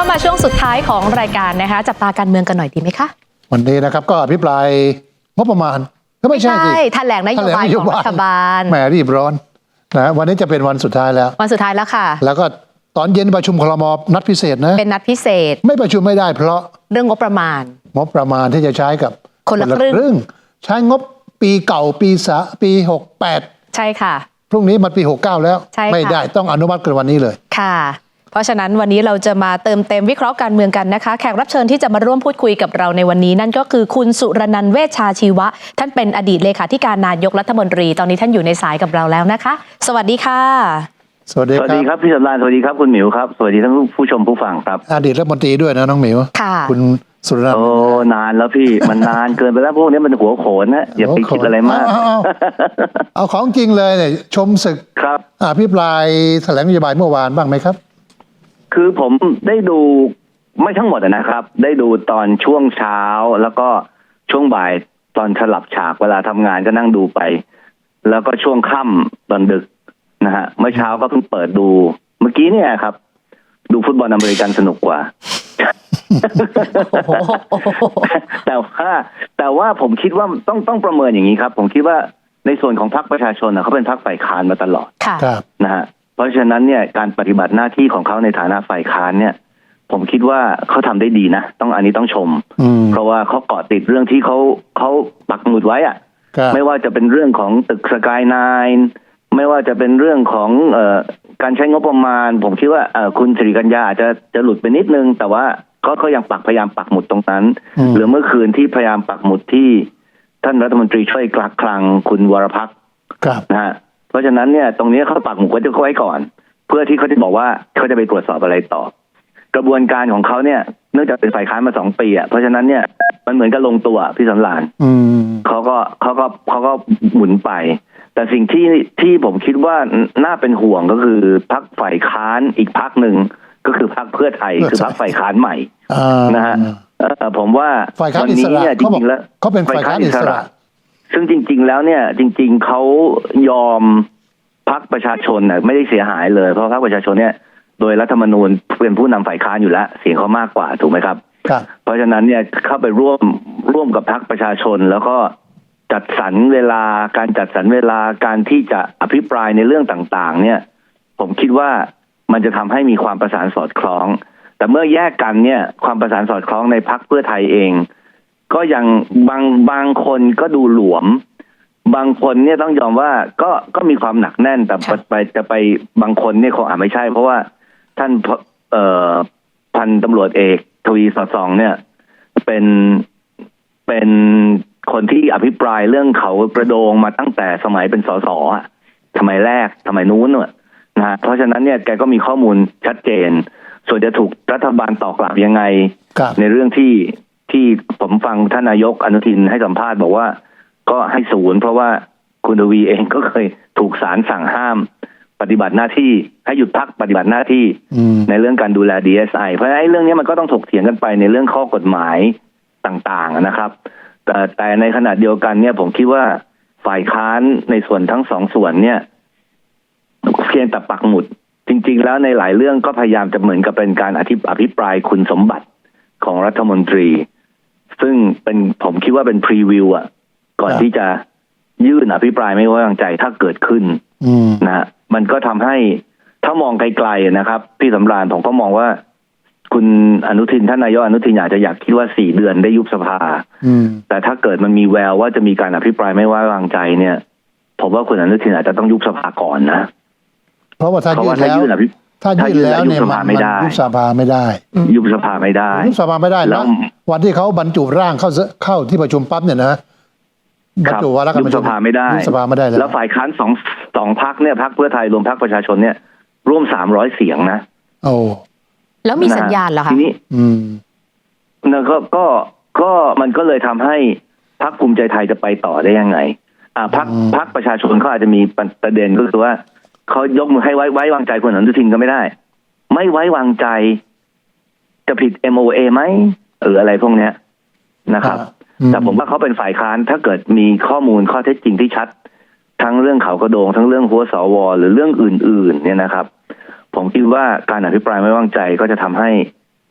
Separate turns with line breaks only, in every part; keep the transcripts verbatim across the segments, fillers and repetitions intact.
มาช่วงสุดท้ายของรายการนะคะจับตาการเมืองกันหน่อยดีไหมคะ
วันนี้นะครับก็อภิปรายงบประมาณก็ไม่ใช่สิ
แถลงนโยบายของรัฐบาล
แหมรีบร้อนนะวันนี้จะเป็นวันสุดท้ายแล้ว
วันสุดท้ายแล้วค่ะ
แล้วก็ตอนเย็นประชุมครม.นัดพิเศษนะ
เป็นนัดพิเศษ
ไม่ประชุมไม่ได้เพราะ
เรื่องงบประมาณ
งบประมาณที่จะใช้กับ
คนละครึ่ง
ใช้งบปีเก่าปีสะปีหกสิบแปด
ใช่ค่ะ
พรุ่งนี้มันปีหกสิบเก้าแล้วไม่ได้ต้องอนุมัติกันวันนี้เลย
ค่ะเพราะฉะนั้นวันนี้เราจะมาเติมเต็มวิเคราะห์การเมืองกันนะคะแขกรับเชิญที่จะมาร่วมพูดคุยกับเราในวันนี้นั่นก็คือคุณสุรนันท์เวชชาชีวะท่านเป็นอดีตเลขาธิการนายกรัฐมนตรีตอนนี้ท่านอยู่ในสายกับเราแล้วนะคะสวัสดีค่ะ
สวัสดีครับ
สวัสดีครับพี่สำราญสวัสดีครับคุณหมิวครับสวัสดีทั้งผู้ชมผู้ฟังครับ
อดีตรัฐมนตรีด้วยนะน้องหมิว
ค่ะ
คุณสุรนันท์
โอ้นานแล้วพี่มันนานเกินไปแล้วพวกนี้มันหัวโขนนะอย่าไปคิดอะไรมาก
เอาของจริงเลยเนี่ยชมศึก
ครับ
อภิปรายแถลงนโยบายเมื่อวานบ้างไหมครับ
คือผมได้ดูไม่ทั้งหมดนะครับได้ดูตอนช่วงเช้าแล้วก็ช่วงบ่ายตอนสลับฉากเวลาทำงานก็นั่งดูไปแล้วก็ช่วงค่ำตอนดึกนะฮะเมื่อเช้าก็เพิ่งเปิดดูเมื่อกี้เนี่ยครับดูฟุตบอลอเมริกันสนุกกว่า แต่ว่าแต่ว่าผมคิดว่าต้องต้องประเมินอย่างนี้ครับผมคิดว่าในส่วนของพรรคประชาชนเขาเป็นพรรคฝ่ายค้านมาตลอดนะฮะเพราะฉะนั้นเนี่ยการปฏิบัติหน้าที่ของเขาในฐานะฝ่ายค้านเนี่ยผมคิดว่าเขาทำได้ดีนะต้องอันนี้ต้องชมเพราะว่าเขาเกาะติดเรื่องที่เขาเขาปักหมุดไว้อะไม่ว่าจะเป็นเรื่องของตึกสกายไนน์ไม่ว่าจะเป็นเรื่องของเอ่อการใช้งบประมาณผมคิดว่าเอ่อคุณสิริกัญญาอาจจะจะหลุดไปนิดนึงแต่ว่าก็เขายังปักพยายามปักหมุดตรงนั้นหรือเมื่อคืนที่พยายามปักหมุดที่ท่านรัฐมนตรีช่วยกลักคลังคุณวรพักษ์นะฮะเพราะฉะนั้นเนี่ยตรงนี้เขาปักหมุดไว้ก่อนเพื่อที่เขาจะบอกว่าเขาจะไปตรวจสอบอะไรต่อกระบวนการของเขาเนี่ยเนื่องจากเป็นฝ่ายค้านมาสองปีอ่ะเพราะฉะนั้นเนี่ยมันเหมือนกับลงตัวพี่สำราญเขาก็เขาก็เขาก็หมุนไปแต่สิ่งที่ที่ผมคิดว่าน่าเป็นห่วงก็คือพรรคฝ่ายค้านอีกพรรคหนึ่งก็คือพรรคเพื่อไทยคือพรรคฝ่ายค้านใหม่นะฮะผมว่า
วันนี้เนี่ยจริงๆแล้วเขาเป็นฝ่ายค้านอิสระ
ซึ่งจริงๆแล้วเนี่ยจริงๆเขายอมพรรคประชาชนน่ะไม่ได้เสียหายเลยเพราะพรรคประชาชนเนี่ยโดยรัฐธรรมนูญเป็นผู้นำฝ่ายค้านอยู่แล้วเสียงเขามากกว่าถูกไหมครับเพราะฉะนั้นเนี่ยเข้าไปร่วมร่วมกับพรรคประชาชนแล้วก็จัดสรรเวลาการจัดสรรเวลาการที่จะอภิปรายในเรื่องต่างๆเนี่ยผมคิดว่ามันจะทำให้มีความประสานสอดคล้องแต่เมื่อแยกกันเนี่ยความประสานสอดคล้องในพรรคเพื่อไทยเองก็ยังบางบางคนก็ดูหลวมบางคนเนี่ยต้องยอมว่าก็ก็มีความหนักแน่นแต่ไปจะไปบางคนเนี่ยคงอาจไม่ใช่เพราะว่าท่านเอ่อพันตำรวจเอกทวีสอดส่องเนี่ยเป็นเป็นคนที่อภิปรายเรื่องเขากระโดงมาตั้งแต่สมัยเป็นสสอ่ะสมัยแรกสมัยนู้นเนี่ยนะฮะเพราะฉะนั้นเนี่ยแกก็มีข้อมูลชัดเจนส่วนจะถูกรัฐบาลตอบกลับยังไงในเรื่องที่ที่ผมฟังท่านนายกอนุทินให้สัมภาษณ์บอกว่าก็ให้ศูนย์เพราะว่าคุณทวีเองก็เคยถูกศาลสั่งห้ามปฏิบัติหน้าที่ให้หยุดพักปฏิบัติหน้าที่ในเรื่องการดูแล ดี เอส ไอ เพราะฉะนั้นไอ้เรื่องนี้มันก็ต้องถกเถียงกันไปในเรื่องข้อกฎหมายต่างๆนะครับแต่แต่ในขณะเดียวกันเนี่ยผมคิดว่าฝ่ายค้านในส่วนทั้งสองส่วนเนี่ยเพียงแต่ปักหมุดจริงๆแล้วในหลายเรื่องก็พยายามจะเหมือนกับเป็นการอภิอภิปรายคุณสมบัติของรัฐมนตรีซึ่งเป็นผมคิดว่าเป็นพรีวิวอ่ะก่อนที่จะยื่นอภิปรายไม่ไว้วางใจถ้าเกิดขึ้นนะฮะมันก็ทำให้ถ้ามองไกลๆนะครับพี่สำราญผมก็มองว่าคุณอนุทินท่านนายกอนุทินอาจจะอยากคิดว่าสี่เดือนได้ยุบสภาแต่ถ้าเกิดมันมีแววว่าจะมีการอภิปรายไม่ไว้วางใจเนี่ยผมว่าคุณอนุทินอาจจะต้องยุบสภาก่อนนะ
เพราะว่าถ้ายื่นแล้วถ้ายื่นแล้วเนี่ยมันยุบสภาไม่ได้
ยุบสภาไม่ได้
ยุบสภาไม่ได้แล้ววันที่เขาบรรจุร่างเข้าเข้าที่ประชุมปั๊บเนี่ยนะบรรจุวาระการ
ประชุมยุบสภาไม่ได้
ยุบสภาไม่ได้
แล้วฝ่ายค้านสองสองพรรคเนี่ยพรรคเพื่อไทยรวมพรรคประชาชนเนี่ยร่วมสามร้อยเสียงนะ
โอ้
แล้วมีสัญญาณเหรอคะ
ทีนี้อืมแล้วก็ก็ก็มันก็เลยทำให้พรรคภูมิใจไทยจะไปต่อได้ยังไงอ่าพรรคพรรคประชาชนเขาอาจจะมีประเด็นก็คือว่าเขายกมือให้ไว้ไว้วางใจคุณอนุทินก็ไม่ได้ไม่ไว้วางใจจะผิด เอ็ม โอ เอ ไหมหรืออะไรพวกเนี้ยนะครับแต่ผมว่าเขาเป็นฝ่ายค้านถ้าเกิดมีข้อมูลข้อเท็จจริงที่ชัดทั้งเรื่องเขากระโดงทั้งเรื่องหัวสวหรือเรื่องอื่นๆเนี่ยนะครับผมคิดว่าการอภิปรายไม่ไว้วางใจก็จะทำให้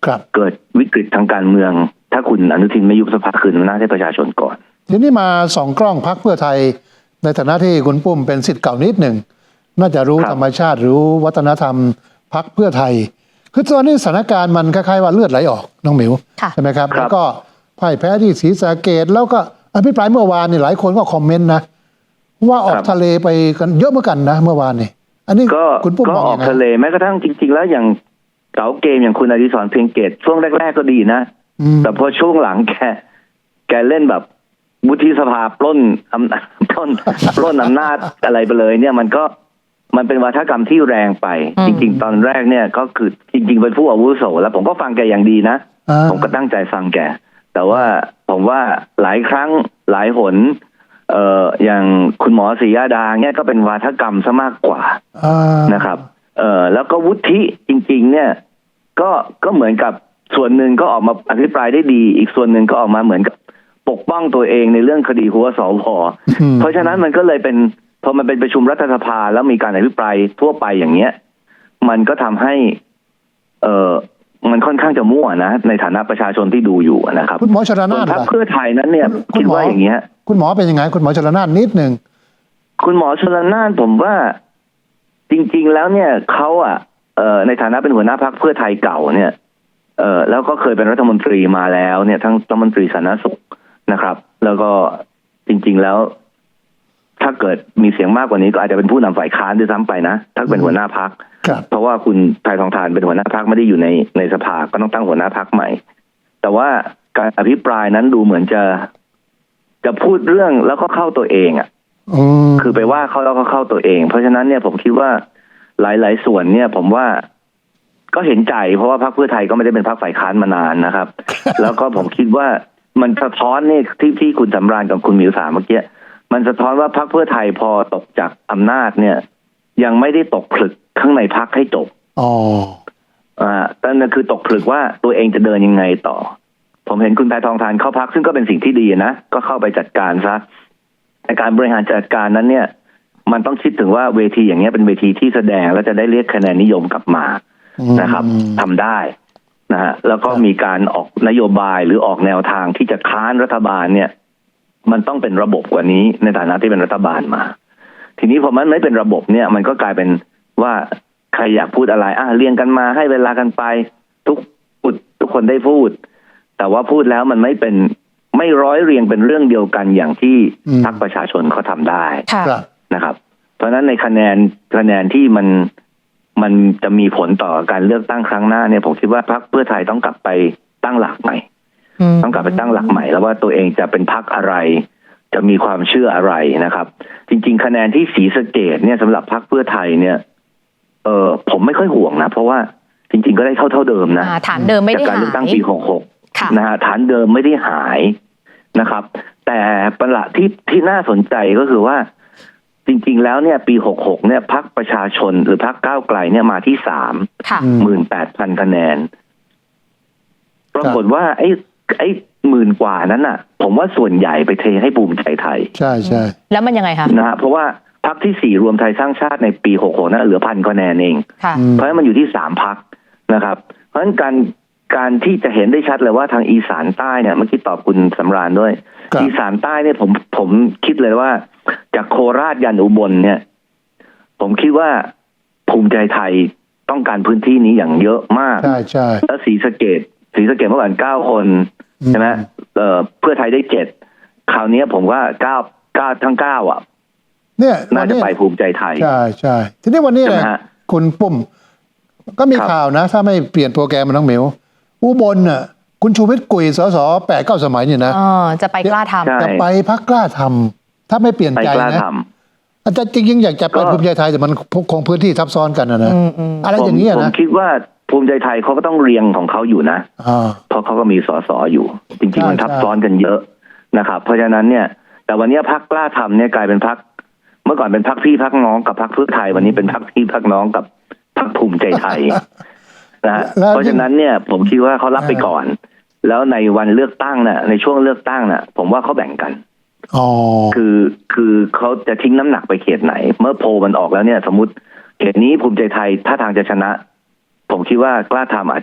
ครับ
เกิดวิกฤตทางการเมือง ถ้าคุณอนุทินไม่ยุบสภาคืนอำนาจให้ประชาชนก่อน
ทีนี้มาสองกล้องพรรคเพื่อไทยในฐานะที่คุณปุ้มเป็นศิษย์เก่านิดหนึ่งน่าจะรู้
ครับ
ธรรมชาติรู้วัฒนธรรมพรรคเพื่อไทยคือตอนนี้สถานการณ์มันคล้ายๆว่าเลือดไหลออกน้องหมิว
ค่ะ
ใช่ไหมครับ
ครับ
แล้วก็พ่ายแพ้ที่ศรีสะเกษแล้วก็อภิปรายเมื่อวานนี่หลายคนก็คอมเมนต์นะว่าออกทะเลไปกันเยอะเหมือนกันนะเมื่อวานนี่อันนี้
ก็
คุณปุ้ม
ก็
มอง
ออ
ยั
ก
งไง
ทะเลแม้กระทั่งจริง ๆ แล้วอย่างเก๋าเกมอย่างคุณอดิศรเพียงเกตช่วงแรก ๆ ก็ดีนะ
อืม
แต่พอช่วงหลังแกแกเล่นแบบวุฒิสภาปล้นอำนาจ ปล้นปล้นอำนาจอะไรไปเลย เนี่ยมันก็มันเป็นวาทกรรมที่แรงไป
อืม
จริง ๆ ตอนแรกเนี่ยก็คือจริง ๆ เป็นผู้อาวุโสแล้วผมก็ฟังแกอย่างดีนะ
อ่า
ผมก็ตั้งใจฟังแกแต่ว่าผมว่าหลายครั้งหลายหนเอ่ออย่างคุณหมอศรียาดาเนี่ยก็เป็นวาทกรรมซะมากกว่า
อ่า
นะครับ เอ่อ แล้วก็วุฒิจริง ๆ เนี่ย ก็ ก็เหมือนกับส่วนหนึ่งก็ออกมาอภิปรายได้ดี อีกส่วนหนึ่งก็ออกมาเหมือนกับปกป้องตัวเองในเรื่องคดีหัวสพ
อืม
เพราะฉะนั้นมันก็เลยเป็น พอมันเป็นประชุมรัฐสภาแล้วมีการอภิปรายทั่วไปอย่างเงี้ย มันก็ทำให้ เอ่อ มันค่อนข้างจะมั่วนะ ในฐานะประชาชนที่ดูอยู่นะครับ
คุณหมอชล
ส่ว
นาน น
พรรค
ล่ะ
เพื่อไทยนั้นเนี่ย
คุ
คิ
ณ
ด
หมอ
ว่าอย่างเงี้ย
คุณหมอเป็นยังไงคุณหมอชลนานนิดหนึ่ง
คุณหมอชลนานผมว่าจริง ๆ แล้วเนี่ยเขาอ่ะเอ่อในฐานะเป็นหัวหน้าพรรคเพื่อไทยเก่าเนี่ยเอ่อแล้วก็เคยเป็นรัฐมนตรีมาแล้วเนี่ยทั้งรัฐมนตรีสาธารณสุขนะครับ แล้วก็จริง ๆ แล้ว ถ้าเกิดมีเสียงมากกว่านี้ก็อาจจะเป็นผู้นำฝ่ายค้านด้วยซ้ำไปนะถ้าเป็นหัวหน้าพรรค
ครับ
เพราะว่าคุณไทยทองทานเป็นหัวหน้าพรรคไม่ได้อยู่ในในสภาก็ต้องตั้งหัวหน้าพรรคใหม่ แต่ว่าการอภิปรายนั้นดูเหมือนจะจะพูดเรื่องแล้วก็เข้าตัวเองอ่ะ
อืม
คือไปว่าเขาแล้วก็เข้าตัวเอง เพราะฉะนั้นเนี่ยผมคิดว่าหลาย ๆ ส่วนเนี่ย ผมว่าก็เห็นใจเพราะว่าพรรคเพื่อไทยก็ไม่ได้เป็นพรรคฝ่ายค้านมานานนะครับ แล้วก็ผมคิดว่ามันสะท้อนเนี่ยที่ที่คุณสำราญกับคุณหมิวถามเมื่อกี้มันสะท้อนว่าพรรคเพื่อไทยพอตกจากอำนาจเนี่ย ยังไม่ได้ตกผลึกข้างในพรรคให้จบ
อ๋อ
อ่าแต่นั่นคือตกผลึกว่าตัวเองจะเดินยังไงต่อ ผมเห็นคุณแพทองทานเข้าพักซึ่งก็เป็นสิ่งที่ดีนะก็เข้าไปจัดการซะในการบริหารจัดการนั้นเนี่ย มันต้องคิดถึงว่าเวทีอย่างเงี้ยเป็นเวทีที่แสดงแล้วจะได้เรียกคะแนนนิยมกลับมานะครับทำได้นะฮะแล้วก็มีการออกนโยบายหรือออกแนวทางที่จะค้านรัฐบาลเนี่ย มันต้องเป็นระบบกว่านี้ในฐานะที่เป็นรัฐบาลมา ทีนี้พอมันไม่เป็นระบบเนี่ย มันก็กลายเป็นว่าใครอยากพูดอะไรอ่ะเรียงกันมาให้เวลากันไป ทุกพูดทุกคนได้พูด แต่ว่าพูดแล้วมันไม่เป็นไม่ร้อยเรียงเป็นเรื่องเดียวกันอย่างที่พรรคประชาชนเขาทำได้
ค่ะ
ครับ
นะครับ เพราะฉะนั้นในคะแนนคะแนนที่มันมันจะมีผลต่อการเลือกตั้งครั้งหน้าเนี่ยผมคิดว่าพรรคเพื่อไทยต้องกลับไปตั้งหลักใหม่
อืม
ต้องกลับไปตั้งหลักใหม่แล้วว่าตัวเองจะเป็นพรรคอะไร จะมีความเชื่ออะไรนะครับ จริง ๆ คะแนนที่ศรีสะเกษเนี่ยสำหรับพรรคเพื่อไทยเนี่ยเออผมไม่ค่อยห่วงนะเพราะว่าจริง ๆ ก็ได้เท่าเท่าเดิมนะ
อ่าฐานเดิมไม่ได้
จากการ
หา
เลือกตั้ง
ย
ปีหกหก
ค่ะ
นะฮะฐานเดิมไม่ได้หายนะครับ แต่ประหลาดที่ที่น่าสนใจก็คือว่า จริง ๆ แล้วเนี่ย ปีหกหกเนี่ยพรรคประชาชนหรือพรรคก้าวไกลเนี่ยมาที่สาม
ค่ะ
อืม
หมื่นแปดพันคะแนนปรากฏว่าไอ้ไอ้หมื่นกว่านั้นน่ะ ผมว่าส่วนใหญ่ไปเทให้ภูมิใจไทย
ใช่ใช่
แล้วมันยังไงคะ
นะฮะเพราะว่าพรรคที่สี่รวมไทยสร้างชาติในปีหกหกนั้นเหลือพันคะแนนเอง
ค่ะ
อืม
เพราะฉะนั้นมันอยู่ที่สามพรรคนะครับ เพราะฉะนั้นการการที่จะเห็นได้ชัดเลยว่าทางอีสานใต้เนี่ยเมื่อกี้ตอบคุณสำราญด้วย
ครับ
อีสานใต้เนี่ยผมผมคิดเลยว่า จากโคราชยันอุบลเนี่ย ผมคิดว่าภูมิใจไทยต้องการพื้นที่นี้อย่างเยอะมาก
ใช่ใช่
แล้วศรีสะเกษศรีสะเกษเมื่อก่อนเก้าคน
อืม
ใช่ไหมเอ่อเพื่อไทยได้เจ็ดคราวนี้ผมว่าเก้าเก้าทั้งเก้าอ่ะ
เนี่ย
น่าจะไปภูมิใจไทย
ใช่ใช่ทีนี้วันนี้
ใช่ไหม
นะ
ฮะ
คุณปุ้ม ก็มี
ครับ
ข่าวนะ ถ้าไม่เปลี่ยนโปรแกรมมันน้องเหมียวอุบลน่ะคุณชูวิทย์กุยสสแปดเก้าสมัยเนี่ยนะ
อ๋อ จะไปกล้าทำ
ใช่
จะไปพักกล้าทำถ้าไม่เปลี่ยน
ไป
ใจ
กล้า
นะ
ท
อาจารย์จริงๆอยากจะไป
ก็
ภูมิใจไทยแต่มันคงพื้นที่ทับซ้อนกันนะนะ
อืมอืม
อะไร
ำ
อย่างนี้ย
ผม
นะ
คิดว่าภูมิใจไทยเขาก็ต้องเรียงของเขาอยู่นะ
อ่า
เพราะเขาก็มีสสอยู่ จริง
ใช่
ๆ มันทับ
ใช่
ซ้อนกันเยอะนะครับ เพราะฉะนั้นเนี่ย แต่วันนี้พรรคกล้าทำเนี่ยกลายเป็นพรรคเมื่อก่อนเป็นพรรคพี่พรรคน้องกับพรรคเพื่อไทยวันนี้เป็นพรรคพี่พรรคน้องกับพรรคภูมิใจไทยนะฮะ
แล้ว
เพราะฉะนั้นเนี่ย ผมคิดว่าเขารับไปก่อน แล้วในวันเลือกตั้งน่ะ ในช่วงเลือกตั้งน่ะ ผมว่าเขาแบ่งกัน
อ๋อ
คือคือเขาจะทิ้งน้ำหนักไปเขตไหน เมื่อโพลมันออกแล้วเนี่ย สมมติเขตนี้ภูมิใจไทยถ้าทางจะชนะ ผมคิดว่ากล้าทำอาจจะถ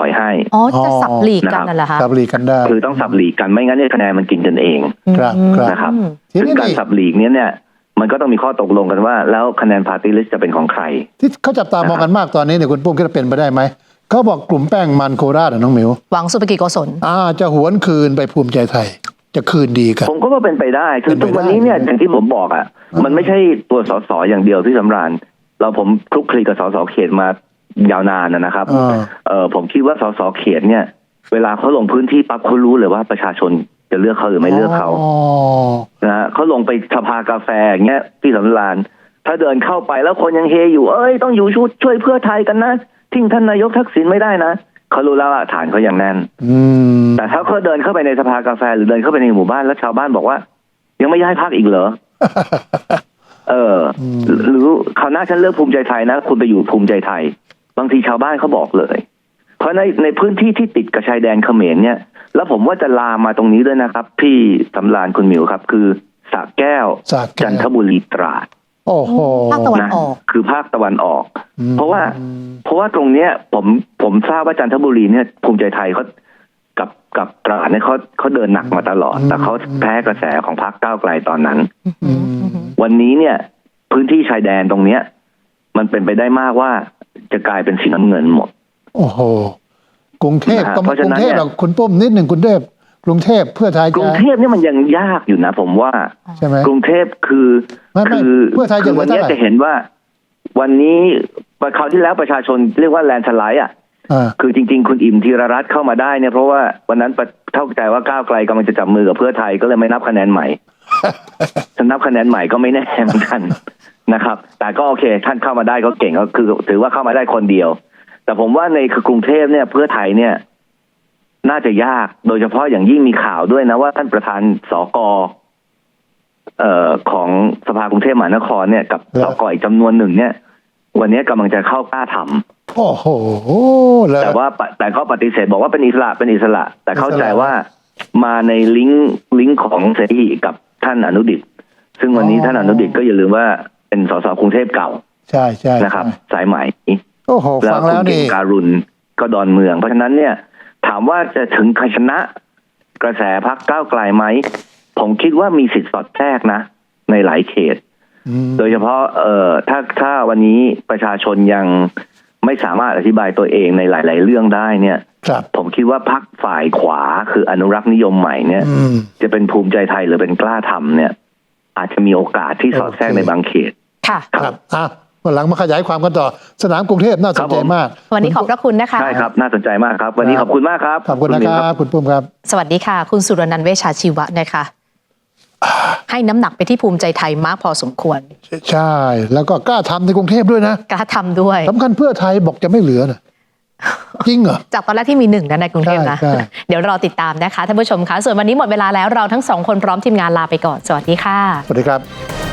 อยให้
อ๋อจะสับหลีกกันนั่นแหละคะ
สับหลีกกันได้
คือต้องสับหลีกกันไม่งั้นเนี่ยคะแนนมันกินกันเอง
ครับครับ
นะครับ
ที
ซึ่ง
นี้
การ
นี่
สับหลีกเนี้ยเนี่ยมันก็ต้องมีข้อตกลงกันว่า แล้วคะแนนพาร์ตี้ลิสต์จะเป็นของใคร
ที่เขาจับตามองกันมากตอนนี้เนี่ยคุณปุ้มคิดว่าเป็นไปได้ไหมเขาบอกกลุ่มแป้งมันโคราชอะน้องหมิว
หวังสุภกิจโกศล
อ่าจะหวนคืนไปภูมิใจไทย จะคืนดีกัน
ผมก็ว่าเป็นไปได้คือ
เป็นไป
ทุกวันนี้เนี่ยอย่างที่ผมบอกอ่ะมันไม่ใช่ตัวสสอย่างเดียวที่สำราญเราผมคลุกคลีกับสสเขตมายาวนานนะครับ
อ่า
เออผมคิดว่าสสเขตเนี่ย เวลาเขาลงพื้นที่ปั๊บเขารู้เลยว่าประชาชนจะเลือกเขาหรือไม่เลือกเขา
อ๋อ
นะฮะเขาลงไปสภากาแฟอย่างเงี้ยที่สำราญถ้าเดินเข้าไปแล้วคนยังเฮอยู่เอ้ยต้องอยู่ช่วยช่วยเพื่อไทยกันนะทิ้งท่านนายกทักษิณไม่ได้นะเขารู้แล้วว่าฐานเขาอย่างแน่น
อืม
แต่ถ้าเขาเดินเข้าไปในสภากาแฟหรือเดินเข้าไปในหมู่บ้านแล้วชาวบ้านบอกว่า ยังไม่ย้ายพรรคอีกเหรอ เออหรือคราวหน้าฉันเลือกภูมิใจไทยนะคุณไปอยู่ภูมิใจไทย บางทีชาวบ้านเขาบอกเลย เพราะในในพื้นที่ที่ติดกับชายแดนเขมรเนี่ย แล้วผมว่าจะลามมาตรงนี้ด้วยนะครับ พี่สำราญคุณหมิวครับ คือสระแก้ว
สระแก้ว
จันทบุรีตราด
โอ้โห
ภาคตะวัน
นะ
ออก
คือภาคตะวันออก
อืม
เพราะว่า เพราะว่าตรงเนี้ยผมผมทราบว่าจันทบุรีเนี่ยภูมิใจไทยเขากับกับตราดเนี่ยเขาเขาเดินหนักมาตลอด แต่เขาแพ้กระแสของพรรคก้าวไกลตอนนั้น
อืม
วันนี้เนี่ย พื้นที่ชายแดนตรงเนี้ย มันเป็นไปได้มากว่าจะกลายเป็นสีน้ำเงินหมด
โอ้โหกรุงเทพ
นะฮะ
ก็
เพราะ
ก
ฉะ
รุ
นั้
ง
น
เทพ
เนี่ย
หรอกคุณปุ้มนิดหนึ่งกรุงเทพกรุงเทพเพื่อไทย
กรุ
จะ
งเทพเนี่ยมันยังยากอยู่นะ ผมว่า
ใช่ไหม
กรุงเทพคือ
ไม่ไม่
คือ
เพื่อไทยจะ
คือวันนี้
เหลือเท่าไหร่
จะเห็นว่า วันนี้คราวที่แล้วประชาชนเรียกว่าแลนด์สไลด์อ่ะ
อ่า
คือจริงๆ คุณอิ่มธีรรัตน์เข้ามาได้เนี่ยเพราะว่าวันนั้นเข้าใจว่าก้าวไกลกำลังจะจับมือกับเพื่อไทยก็เลยไม่นับคะแนนใหม่ จะนับคะแนนใหม่ก็ไม่แน่เหมือนกันนะครับ แต่ก็โอเค ท่านเข้ามาได้ก็เก่งก็คือ ถือว่าเข้ามาได้คนเดียว แต่ผมว่าในคือกรุงเทพเนี่ยเพื่อไทยเนี่ย น่าจะยากโดยเฉพาะอย่างยิ่งมีข่าวด้วยนะว่าท่านประธานสกเอ่อของสภากรุงเทพมหานครเนี่ยกับสกอีกจำนวนหนึ่งเนี่ย วันนี้กำลังจะเข้ากล้าทำ
โอ้โหแล้ว
แต่ว่าปะแต่ก็ปฏิเสธบอกว่าเป็นอิสระเป็นอิสระ แต่เข้าใจว่ามาในลิงก์ลิงก์ของเสรีกับท่านอนุดิษฐ์ซึ่งวันนี้ท่านอนุดิษฐ์ก็อย่าลืมว่าเป็นสสกรุงเทพเก่า
ใช่ใช่
นะครับ
ใช่
สายไหม
โอ้โห
แล้ว
ฟัง
คุ
แล้
ณ
ว
เก่
นี่
งการุณก็ดอนเมือง เพราะฉะนั้นเนี่ยถามว่าจะถึงใครชนะกระแสพรรคก้าวไกลไหมผมคิดว่ามีสิทธิ์สอดแทรกนะ ในหลายเขต
อืม
โดยเฉพาะเอ่อถ้าถ้าวันนี้ประชาชนยังไม่สามารถอธิบายตัวเองในหลาย ๆ เรื่องได้เนี่ย
ครับ
ผมคิดว่าพรรคฝ่ายขวาคืออนุรักษ์นิยมใหม่เนี่ย
อืม
จะเป็นภูมิใจไทยหรือเป็นกล้าทำเนี่ย อาจจะมีโอกาสที่สอดแทรก
โอเค
ในบางเขต
ค่ะ
ครับอ่ะวันหลังมาขยายความกันต่อ สนามกรุงเทพน่าสนใจมาก
วันนี้ขอบพระคุณนะคะ
ใช่ครับ น่าสนใจมากครับ วันนี้ขอบคุณมากครับ
ขอบคุณนะ
มิ
คว รับ คุณปุ้มครับ
สวัสดีค่ะ คุณสุรนันท์เวชชาชีวะนะคะ ให้น้ำหนักไปที่ภูมิใจไทยมากพอสมควร
ใช่ แล้วก็กล้าทำในกรุงเทพด้วยนะ
กล้าทำด้วย
สำคัญเพื่อไทยบอกจะไม่เหลือนะจริงเหรอ
จากตอนแรกที่มีหนึ่งนะในกรุงเทพนะ
ใช่ใช่
เดี๋ยวรอติดตามนะคะท่านผู้ชมคะส่วนวันนี้หมดเวลาแล้วเราทั้งสองคนพร้อมทีมงานลาไปก่อน สวัสดีค่ะ
สวัสดีครับ